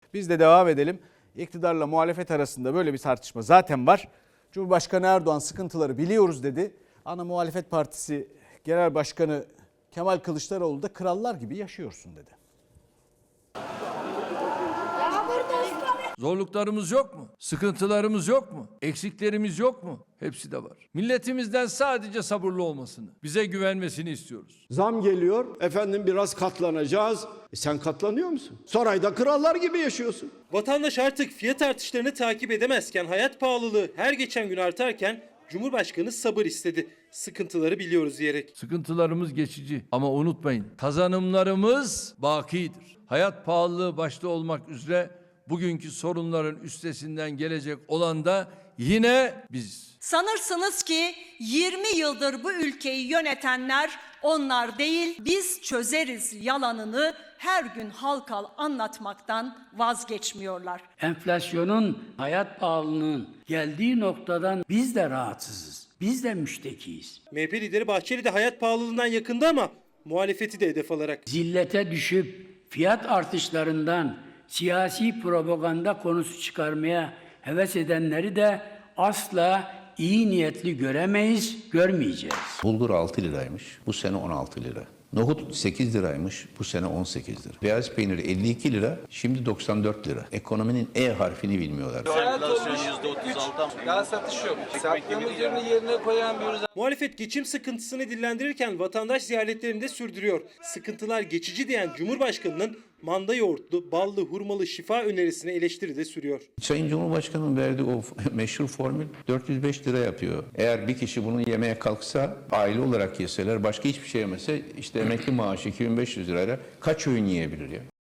Biz de devam edelim. İktidarla muhalefet arasında böyle bir tartışma zaten var. Cumhurbaşkanı Erdoğan sıkıntıları biliyoruz dedi. Ana muhalefet partisi genel başkanı Kemal Kılıçdaroğlu da krallar gibi yaşıyorsun dedi. Zorluklarımız yok mu? Sıkıntılarımız yok mu? Eksiklerimiz yok mu? Hepsi de var. Milletimizden sadece sabırlı olmasını, bize güvenmesini istiyoruz. Zam geliyor, efendim biraz katlanacağız. Sen katlanıyor musun? Sarayda krallar gibi yaşıyorsun. Vatandaş artık fiyat artışlarını takip edemezken, hayat pahalılığı her geçen gün artarken Cumhurbaşkanı sabır istedi. Sıkıntıları biliyoruz diyerek. Sıkıntılarımız geçici ama unutmayın, kazanımlarımız bakidir. Hayat pahalılığı başta olmak üzere bugünkü sorunların üstesinden gelecek olan da yine biziz. Sanırsınız ki 20 yıldır bu ülkeyi yönetenler onlar değil, biz çözeriz yalanını her gün halka anlatmaktan vazgeçmiyorlar. Enflasyonun, hayat pahalılığının geldiği noktadan biz de rahatsızız. Biz de müştekiyiz. MHP lideri Bahçeli de hayat pahalılığından yakında ama muhalefeti de hedef alarak. Zillete düşüp fiyat artışlarından siyasi propaganda konusu çıkarmaya heves edenleri de asla iyi niyetli göremeyiz, görmeyeceğiz. Bulgur 6 liraymış, bu sene 16 lira. Nohut 8 liraymış, bu sene 18 lira. Beyaz peynir 52 lira, şimdi 94 lira. Ekonominin E harfini bilmiyorlar. Enflasyon %36. Daha satış yok. Sattığımız ürünü yerine koyamıyoruz. Muhalefet geçim sıkıntısını dillendirirken vatandaş ziyaretlerini de sürdürüyor. Sıkıntılar geçici diyen Cumhurbaşkanı'nın manda yoğurtlu, ballı, hurmalı şifa önerisine eleştiri de sürüyor. Sayın Cumhurbaşkanı'nın verdiği o meşhur formül 405 lira yapıyor. Eğer bir kişi bunu yemeye kalksa, aile olarak yeseler, başka hiçbir şey yemese, işte emekli maaşı 2500 lirayla kaç öğün yiyebilir ya?